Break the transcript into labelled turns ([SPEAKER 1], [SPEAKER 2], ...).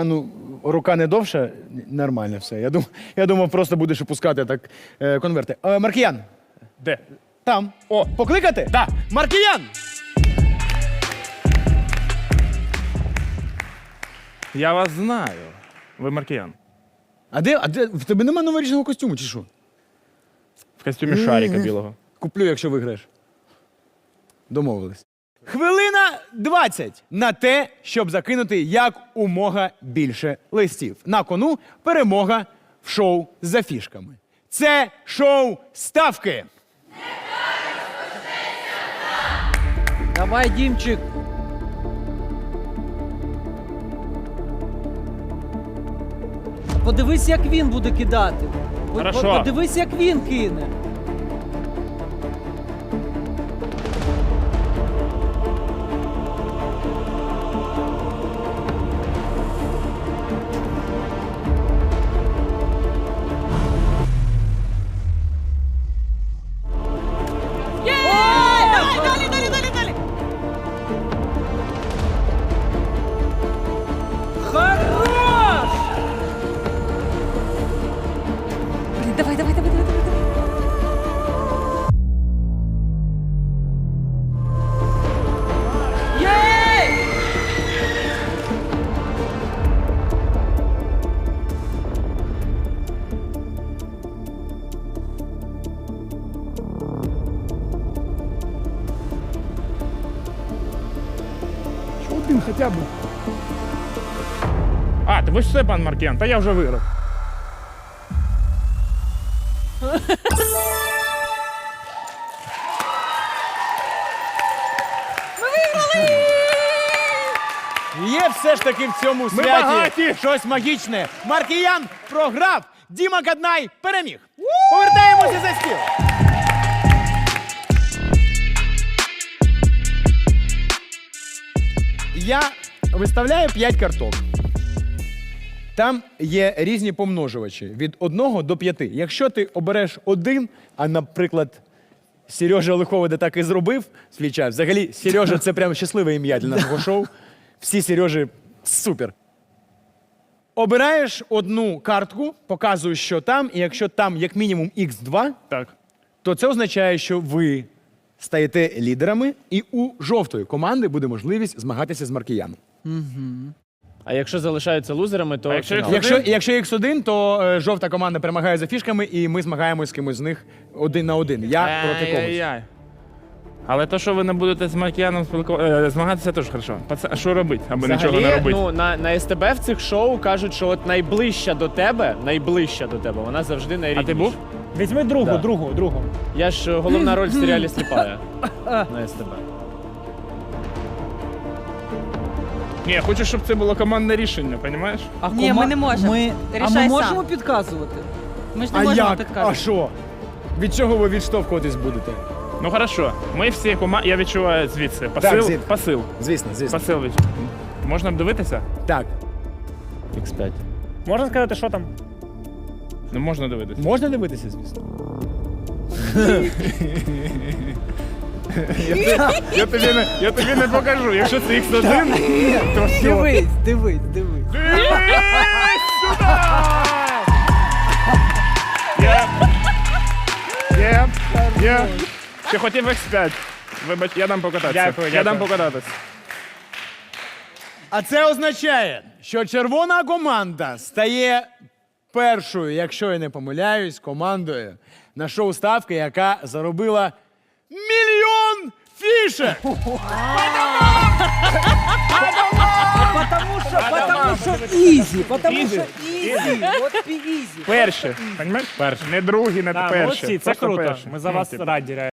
[SPEAKER 1] А ну, рука не довша, нормально все. Я думав, просто будеш опускати так конверти. Маркіян,
[SPEAKER 2] Де?
[SPEAKER 1] там.
[SPEAKER 2] О.
[SPEAKER 1] Покликати?
[SPEAKER 2] Да.
[SPEAKER 1] Маркіян!
[SPEAKER 2] Я вас знаю. Ви маркіян.
[SPEAKER 1] А де? В тебе нема новорічного костюму, чи що?
[SPEAKER 2] В костюмі шарика білого.
[SPEAKER 1] Куплю, якщо виграєш. Домовились. Хвилина 20 на те, щоб закинути як умога більше листів. На кону перемога в шоу за фішками. Це шоу ставки.
[SPEAKER 3] Давай, Дімчик. Подивись, як він буде кидати.
[SPEAKER 2] Хорошо.
[SPEAKER 3] Подивись, як він кине. Хорош!
[SPEAKER 4] Блін, давай, давай, давай, давай, давай.
[SPEAKER 3] Єй!
[SPEAKER 1] Один хоча б.
[SPEAKER 2] А, ви ж все, пан Маркіян, та я вже виграв.
[SPEAKER 1] Є все ж таки в цьому святі
[SPEAKER 2] багаті!
[SPEAKER 1] щось магічне. Маркіян програв, Діма Каднай переміг. Повертаємося за стіл. Я виставляю 5 карток. Там є різні помножувачі від 1 до 5. Якщо ти обереш один, а, наприклад, Сережа Лиховида так і зробив свій час. Взагалі, Сережа – це прям щасливе ім'я для нашого шоу. Всі Сережі супер. Обираєш одну картку, показуєш, що там, і якщо там як мінімум Х2,
[SPEAKER 2] Так.
[SPEAKER 1] то це означає, що ви стаєте лідерами, і у жовтої команди буде можливість змагатися з Маркіяном.
[SPEAKER 5] А якщо залишаються лузерами, то
[SPEAKER 2] А якщо
[SPEAKER 5] фінал.
[SPEAKER 2] їх-
[SPEAKER 1] Якщо Х1, то жовта команда перемагає за фішками, і ми змагаємось з кимось з них 1 на 1. Я проти когось.
[SPEAKER 2] Ай-яй-яй. Але то, що ви не будете з Маркіяном змагатися, теж хорошо. А що робити, аби нічого не
[SPEAKER 5] Взагалі,
[SPEAKER 2] робити?
[SPEAKER 5] ну, на СТБ в цих шоу кажуть, що от найближча до тебе, вона завжди
[SPEAKER 2] А
[SPEAKER 5] найрідніша.
[SPEAKER 2] ти був?
[SPEAKER 6] Візьми другу,
[SPEAKER 5] Да.
[SPEAKER 6] другу.
[SPEAKER 5] Я ж головна роль в серіалі «Сліпая» на СТБ.
[SPEAKER 2] Ні, я хочу, щоб це було командне рішення, розумієш?
[SPEAKER 4] Ні, ми не можемо.
[SPEAKER 3] А
[SPEAKER 4] Рішай
[SPEAKER 3] ми
[SPEAKER 4] сам.
[SPEAKER 3] можемо підказувати?
[SPEAKER 4] Ми ж не
[SPEAKER 1] А
[SPEAKER 4] можемо
[SPEAKER 1] як? А
[SPEAKER 4] підказувати.
[SPEAKER 1] що? Від чого ви відштовхуватись будете?
[SPEAKER 2] Ну хорошо, ми всі команди, я відчуваю звідси. Посил,
[SPEAKER 1] звідти.
[SPEAKER 2] посил.
[SPEAKER 1] Звісно.
[SPEAKER 2] Посил від... Можна б дивитися?
[SPEAKER 1] Так,
[SPEAKER 5] X5.
[SPEAKER 6] Можна сказати, що там?
[SPEAKER 2] Ну можна дивитися.
[SPEAKER 1] можна дивитися, звісно.
[SPEAKER 2] Я тобі не покажу. Якщо це X1, то все.
[SPEAKER 3] Дивись.
[SPEAKER 2] Є. Ти хотів X5. Вибач, я дам покататися.
[SPEAKER 6] Дякую,
[SPEAKER 2] Я дам
[SPEAKER 6] дякую.
[SPEAKER 2] покататися.
[SPEAKER 1] А це означає, що червона команда стає першою, якщо я не помиляюсь, командою на шоу «Ставки», яка заробила 1 мільйон фішек!
[SPEAKER 3] Потому що ізі, потому що ізі. От ізі.
[SPEAKER 2] Перші. Понімаєш? Перші. Не другі, не
[SPEAKER 6] Так,
[SPEAKER 2] перші.
[SPEAKER 6] молодці, це
[SPEAKER 2] Просто
[SPEAKER 6] круто.
[SPEAKER 2] перші.
[SPEAKER 6] Ми за вас раді.